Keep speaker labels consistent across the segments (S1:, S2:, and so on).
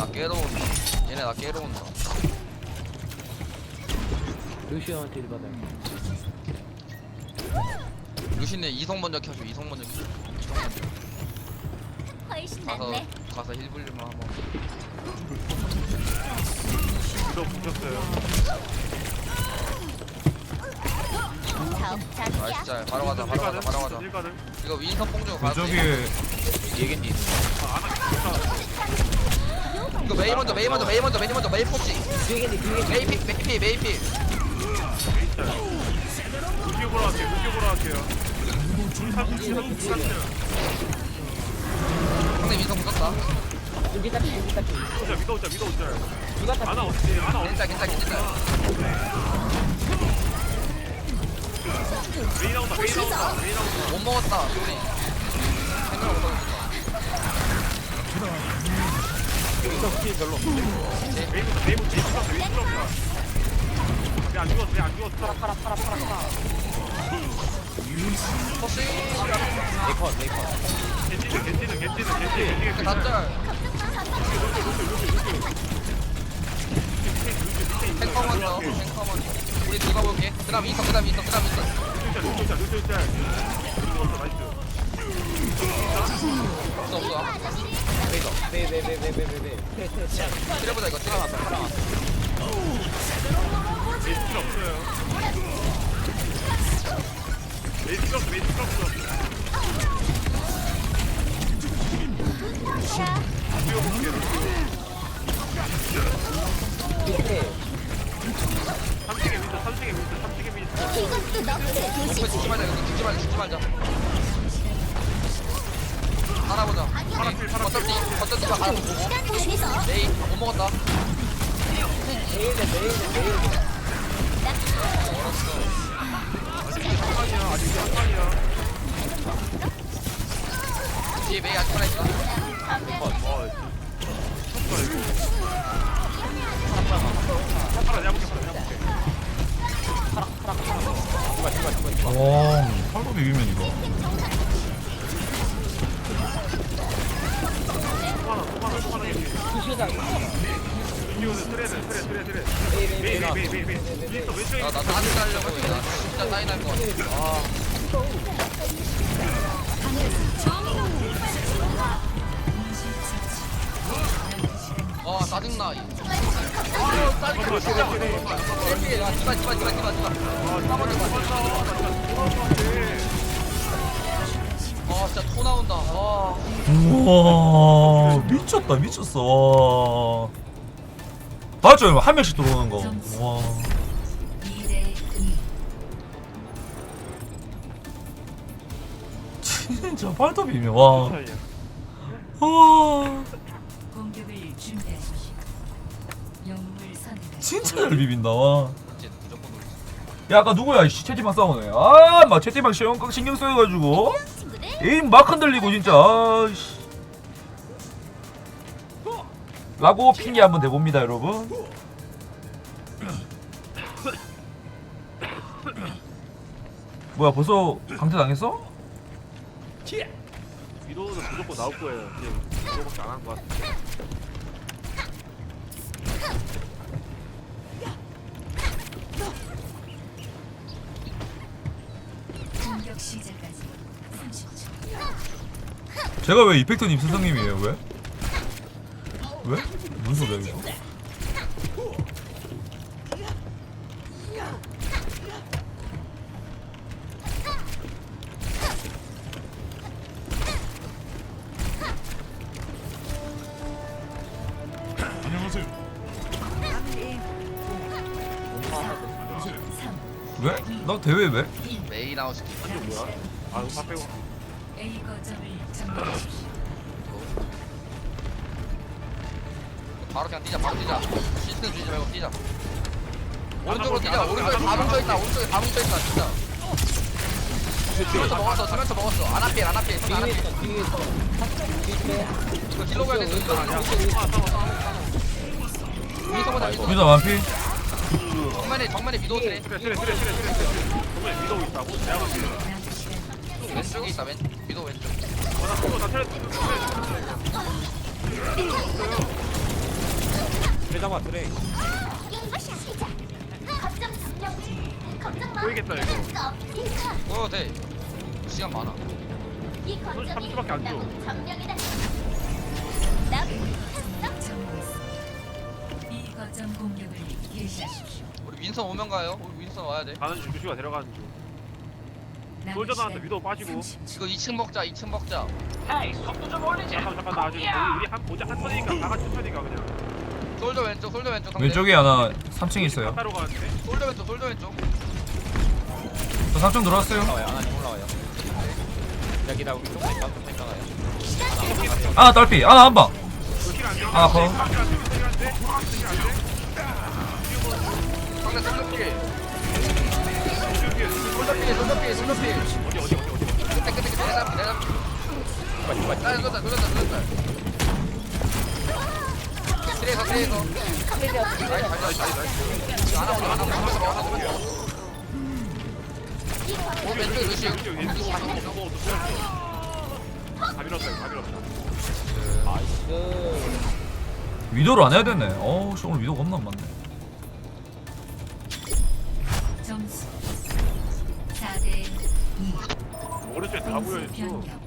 S1: 깨러 온다. 얘네 나 깨러 온다.
S2: 루시오한테 일 받아요.
S1: 루시네 이성 먼저 켜줘. 이성 먼저 켜줘. 이성 먼저.
S3: 훨씬
S1: 가서
S3: 낫네.
S1: 가서 힐 불리면 한번.
S4: 이거 붙였어요.
S3: 자기야.
S1: 아 진짜 바로 가자. 바로 가자. 바로 가자.
S4: 일가들.
S1: 이거 윈선 뽕주고 가자.
S5: 저기
S1: 얘긴디.
S4: 안 하겠다.
S1: 이거 메이 먼저 메이 먼저 메이 먼저 메이 먼저 메이 폭지.
S2: 뒤에겠니 뒤에겠니.
S1: 메이 픽 메이 픽 메이 픽.
S4: 루시오 보러 갈게요. 루시오 보러 갈게요.
S1: 상대 윈선 붙었다.
S2: 여기 딱 여기 딱.
S4: 위도 오자.
S2: 누가 딱.
S4: 하나 어디? 하나 어디?
S1: 괜찮아.
S4: 메인 나온다.
S1: 못 먹었다. 우리. 생각 못 하고
S4: 메인 죽었어. 왜안 죽었어?
S2: 팔아.
S1: 포시.
S4: 겐지는.
S1: 다짤. 탱커 먼저. 우리 누가 볼게. 그다음 윈선.
S4: 루시오 짤.
S1: 없어.
S2: 네네네네네네.
S1: 때려보자 이거. 때려놨어.
S4: 메인 스킬 없어요. 메인 스킬 없어. 루시오 볼게요.
S2: 밑에.
S4: 3층에 윈서.
S3: 이것도 너프의 도시.
S1: 죽지 말자. 살아보자. 어차피 가라 보고.
S3: 시간 보내서
S1: 메이 못 먹었다.
S2: 내일은.
S4: 아직 한판이야.
S1: 뒤에 메이 아직 하나 있다.
S4: 내가 볼게.
S5: 팔로 비비면 이거
S4: 소만하게.
S2: 루시오다.
S4: 루시오는 트레. 메인. 윈서 왼쪽에.
S1: 나도 한대 달려고 나 진짜 사인 할것 같아. 짜증나. 짜증나 진짜. 진짜 토 나온다.
S5: 우와 미쳤어. 맞죠? 한 명씩 들어오는 거. 와. 진짜 팔도 비며. 와.
S6: 공격을 준비하십시오. 영웅을 선택하십시오.
S5: 진짜 잘 비빈다. 와.
S1: 이제 무조건 놀지.
S5: 야 아까 누구야? 씨, 채팅방 싸우네. 막 채팅방 신경 써가지고
S3: 친구들.
S5: 에임 막 흔들리고 진짜. 아이씨. 라고 핑계 한번 대봅니다, 여러분. 뭐야 벌써 강퇴 당했어?
S4: 위도는 무조건 나올 거예요. 이거밖에 안 한 것 같아.
S6: 공격 시작까지 30초.
S5: 제가 왜 이펙터님 스승님이에요? 왜? 왜? 무슨 소리야 이거? 왜? 나 대회 왜?
S1: 메이 나오시키.
S4: 한쪽 뭐야? 아, 다 빼고.
S6: A 거점을 점령하십시오.
S1: 바로 그냥 뛰자. 시스템 주지 말고 뛰자. 오른쪽으로 뛰자. 오른쪽에 다 뭉쳐있다. 진짜. 수면차 먹었어. 아나필.
S2: 뒤에 있어.
S1: 이거 힐러 가야 돼. 위에서
S5: 유다 완피?
S1: 정면에 미도 트레.
S4: 트레. 정말 위도 있다고? 내가 볼게.
S1: 왼쪽에 있다. 미도 왼쪽.
S4: 나 트레.
S7: 잡아 그래.
S3: 이것이 시작. 거점 점령. 거점
S4: 보이겠다 이거.
S1: 보여도 돼. 시간 많아.
S3: 이 거점이
S4: 30초밖에 안 줘.
S3: 나무 점령이다. 나
S6: 점령했습니다. 이 거점 공격을 개시하십시오.
S1: 우리 윈선 오면 가요. 우리 윈선 와야 돼.
S4: 가는 중 루시가 데려가는 중.
S6: 남은
S4: 솔저 나한테
S6: 시간
S4: 위도 빠지고.
S6: 30초.
S1: 이거 2층 먹자. 2층 먹자.
S4: 잠깐 나 아직 우리 한 보자 한 턴이니까 다 같이 턴이니까 그냥.
S1: 솔저 왼쪽. 솔저 왼쪽. 상대.
S5: 왼쪽에 하나 3층에 있어요.
S4: 따로 가는데.
S1: 솔저 왼쪽. 솔저 왼쪽.
S5: 저 3층 들어왔어요.
S7: 올라와요. 하나님 올라와요. 여기다 우리 조금 생각해요.
S5: 하나 딸피. 하나 한 방.
S4: 힐안 돼.
S5: 하나 커.
S4: 힐안 돼. 힐안 돼.
S1: 상대 솔저 피해.
S4: 솔저
S1: 솔저 피해. 솔저 피해. 솔저 피해.
S4: 어디.
S1: 끝에 내가 돌렸다. 트레이서. 나이스. 하나 보자. 왼쪽 루시오.
S4: 다 밀었다.
S2: 나이스.
S5: 위도를 안 해야 되네. 씨 오늘 위도가 없나 안 맞네.
S6: 점수 4대 2.
S4: 오른쪽에 다 보여 있어.
S6: 변경.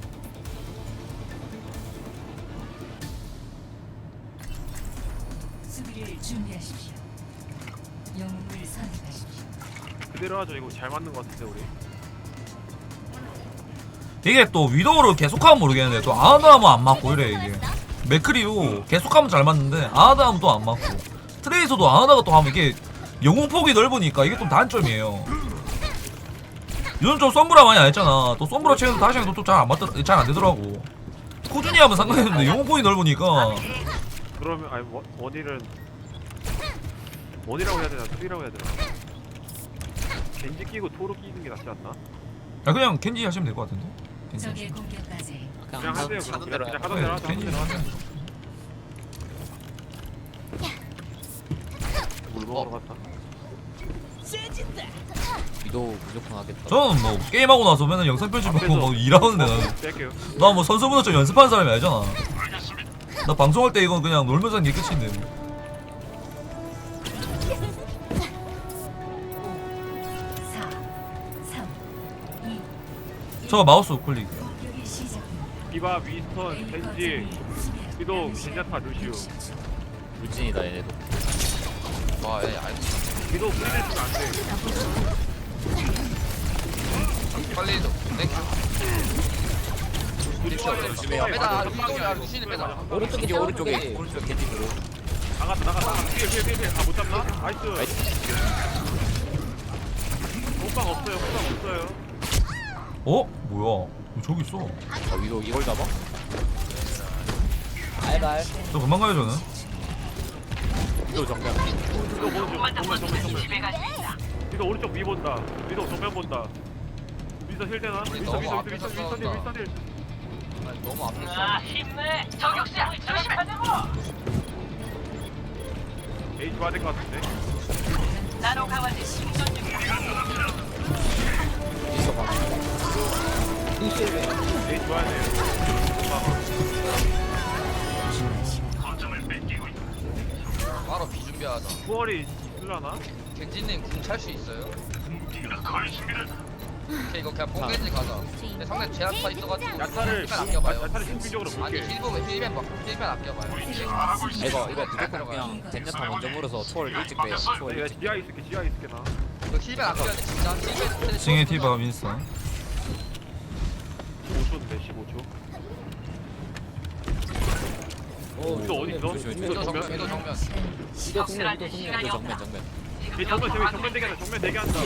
S6: 수비를 준비하십시오. 영웅을 선택하십시오.
S4: 그대로 하죠. 이거 잘 맞는 것 같은데 우리.
S5: 이게 또 위도를 계속하면 모르겠는데 또 아하다 하면 안 맞고 이래 이게. 맥크리도 계속하면 잘 맞는데 아하다 하면 또 안 맞고. 트레이서도 아하다가 또 하면 이게 영웅폭이 넓으니까 이게 좀 단점이에요. 요즘 좀 썸브라 많이 안 했잖아. 또 썸브라 채워서 다시 해도 또 잘 안 되더라고. 꾸준히 하면 상관없는데 영웅폭이 넓으니까.
S4: 그러면 아니 원일은 원이라고 해야 되나 투이라고 해야 되나? 겐지 끼고 토로 끼는 게 낫지 않나?
S5: 그냥 켄지 하시면 될 것 같은데. 켄지.
S6: 적의 공격까지
S4: 그냥 하세요. 그냥 하던
S5: 네,
S4: 대로 하자.
S5: 켄지 하세요.
S4: 물 먹으러 갔다.
S7: 위도 무조건 하겠다.
S5: 저는 뭐 게임하고 나서 맨날 영상 편집하고 뭐 일하는데 나는
S4: 뺄게요.
S5: 나 뭐 선수보다 좀 연습하는 사람이 아니잖아. 나 방송할 때 이건 그냥 놀면서 하는 게 끝인데.
S6: 4 3 2
S5: 저 마우스 클릭.
S6: 공격이 시작됩니다.
S4: 디바, 윈스턴, 겐지, 위도, 젠야타, 루시우.
S7: 루진이다 얘네도.
S1: 와, 얘 알고 있어.
S4: 위도 프리를 쓰면 안 돼.
S1: 빨리 해줘. 땡큐. 루시오 빼다. 루시오야, 루시는 빼다.
S2: 오른쪽에
S7: 겐지 오른쪽에
S2: 사운드.
S7: 오른쪽 겐지 들어.
S4: 나갔다. 뒤에. 아, 못 잡나? 나이스. 호빵 없어요.
S5: 뭐야? 왜 저기 있어?
S7: 위도 이걸 잡아?
S2: 알갈.
S5: 저 금방 가요 저는.
S7: 위도 정면.
S4: 위도 정면. 위도 오른쪽 위 본다. 위도 정면 본다. 위도 힐 되나?
S1: 우리
S4: 위도
S1: 너무 앞에
S4: 힐.
S1: 아니, 너무 앞에 있어.
S4: 에이 좋아야 될 것 같은데.
S7: 있어 봐.
S4: 에이 좋아야 돼.
S1: 바로 비 준비하자.
S4: 투월이 있으려나?
S1: 겐지님 궁 찰 수 있어요? 오케이, 이거 그냥 뽕겐지 가자. 근데 상대 제압타 있어가지고
S4: 야타를
S1: 힐맨 아껴봐요.
S4: 신빙적으로
S1: 아니,
S4: 볼게.
S1: 힐맨 아껴봐요.
S7: 이거 무조건 그냥 젠야타 먼저 물어서 초월 일찍 빼요. 초월
S4: 내가
S7: 일찍.
S4: 지하 있을게 나.
S1: 이거 힐맨 아껴야 돼, 진짜. 힐맨
S5: 징의 티바 윈스턴.
S4: 15초인데 15초. 위도 어디 있어?
S1: 위도 정면, 위도 정면.
S2: 위도 정면.
S7: 위도 정면.
S4: 이 정면 대기한다.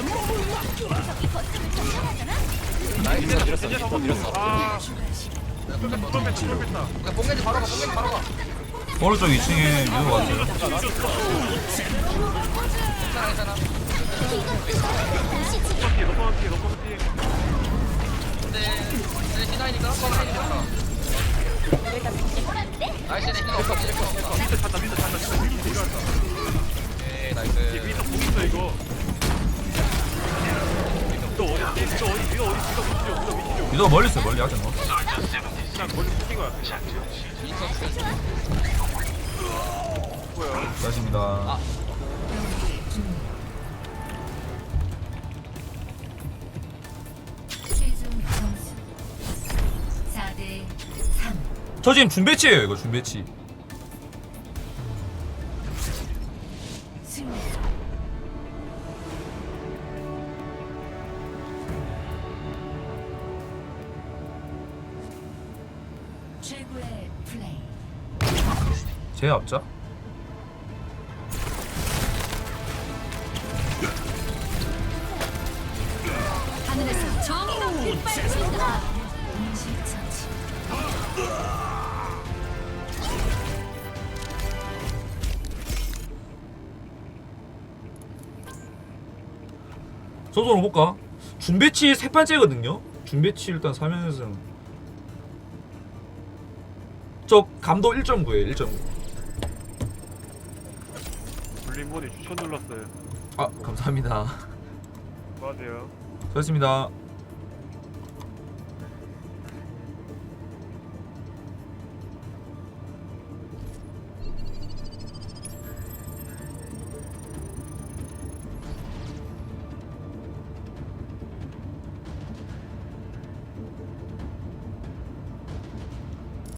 S7: 밀었어.
S4: 젠야타
S7: 밀었어.
S4: 아, 투월 뺐다.
S1: 그러니까 뽕겐지 바로 가.
S5: 오른쪽 2층에 위도 왔어요.
S1: 괜찮아.
S4: 너무 피.
S1: 근데 신화이니까 뽕겐지 나이스네, 힐 없어.
S4: 밑에 찬다. 일어났다.
S1: 오케이, 나이스.
S4: 위도 공 있어 이거. 위도 어디?
S5: 위도가 멀리 있어요. 멀리 하지 마.
S4: 그냥 멀리 붙인 거야.
S1: 인선 죽였어.
S4: 됐고요.
S5: 수고하셨습니다.
S6: 경기 종료. 최종 점수 4대 3.
S5: 저 지금 준배치예요 이거 준배치.
S6: 승리. 최고의 플레이.
S5: 제 앞자.
S3: 하늘에서 정의가 빛발친다.
S6: 인실처치.
S5: 소소로 볼까? 준배치 세 판째거든요. 준배치 일단 3연승. 저 감도 1.9에요 1.9.
S4: 블링본이 추천 눌렀어요.
S5: 아 감사합니다.
S4: 수고하세요.
S5: 수고하셨습니다.